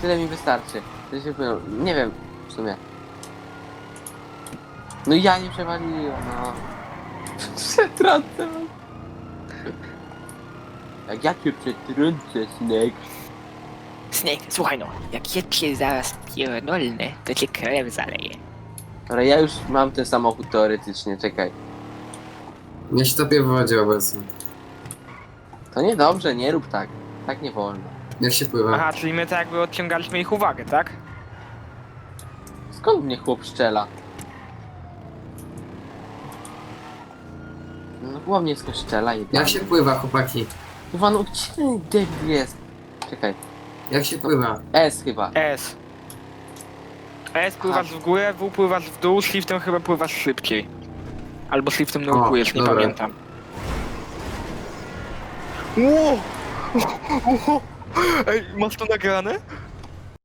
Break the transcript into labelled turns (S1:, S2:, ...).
S1: Tyle mi wystarczy. To się płyną. Nie wiem, w sumie. No ja nie przewaliłem, no. Przetrącę. Jak ja cię przetrącę, Snake.
S2: Snake, słuchaj no, jak ja cię zaraz pierdolnę, to cię krew zaleje.
S1: Ale ja już mam ten samochód teoretycznie, czekaj.
S3: Nie się topię w wodzie obecnie.
S1: To niedobrze, nie rób tak. Tak nie wolno.
S3: Jak się pływa?
S2: Aha, czyli my tak jakby odciągaliśmy ich uwagę, tak?
S1: Skąd mnie chłop szczela? No chłop mnie skąd szczela i
S3: Jak się pływa, chłopaki?
S1: Kurwa, no gdzie ten debil jest? Czekaj.
S3: Jak się pływa?
S1: S chyba.
S2: S. S pływasz w górę, W pływasz w dół, shiftem chyba pływasz szybciej. Albo shiftem nurkujesz, nie
S3: dobra.
S2: pamiętam. Ło! Ej, masz to nagrane?